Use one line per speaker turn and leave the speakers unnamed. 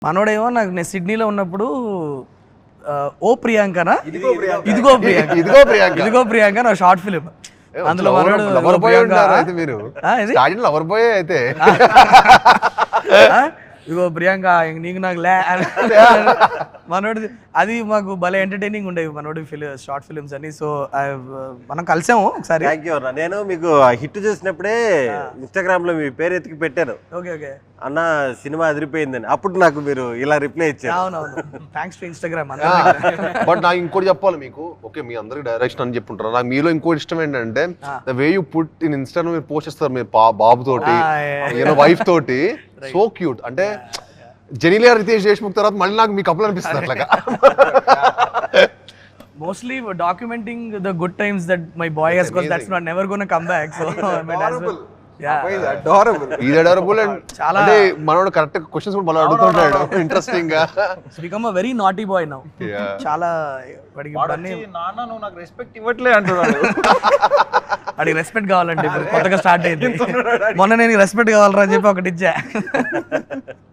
మనోడేమో నాకు నేను సిడ్నీలో ఉన్నప్పుడు ఓ ప్రియాంకనా ఇదిగో ప్రియాంక ఇదిగో ప్రియాంక నా షార్ట్ ఫిలిం అందులో మనోడు
మీరు లవర్ బాయ్ అయితే
ఇగో ప్రియాంక నీకు నాకు లే మనోడి అది మాకు భలే ఎంటర్టైనింగ్ ఉండేవి మనోడి షార్ట్ ఫిలిమ్స్ అని. సో మనం కలిసాము ఒకసారి.
నేను మీకు హిట్ చూసినప్పుడే ఇన్స్టాగ్రామ్ లో మీ పేరు ఎత్తికి పెట్టాను,
ఓకే ఓకే
అన్న సినిమా అదిరిపోయిందని. అప్పుడు నాకు మీరు ఇలా రిప్లై ఇచ్చారు.
అవునవును, థ్యాంక్స్ టు ఇన్స్టాగ్రామ్.
బట్ నాకు ఇంకోటి చెప్పాలి మీకు, ఓకే మీ అందరికి డైరెక్షన్ అని చెప్పుంటారు, నాకు మీలో ఇంకోటి ఇష్టం ఏంటంటే the way you put in Instagram మీరు పోస్ట్ చేస్తారు మీరు బాబు తోటి వైఫ్ తోటి, సో క్యూట్. అంటే జెనీలియా రితేష్ దేశ్ముఖ్ తర్వాత మళ్ళీ నాకు మీ కపుల్ అనిపిస్తుంది అట్లాగా.
Mostly documenting the good times that my boy has, because that's not never going to come back. So I mean, as well.
Adorable and అంటే మనోడు కరెక్ట్ క్వశ్చన్స్ కూడా మళ్ళీ అడుగుతుంటాడు ఇంట్రెస్టింగ్ గా.
Become a very naughty boy now. చాలా వాడికి
నాన్న నువ్వు నాకు రెస్పెక్ట్ ఇవ్వట్లే అంటున్నాడు.
వాడికి రెస్పెక్ట్ కావాలంటే కొత్తగా స్టార్ట్ అయింది. మొన్న నేను రెస్పెక్ట్ కావాలరా అని చెప్పి ఒకటి ఇచ్చా.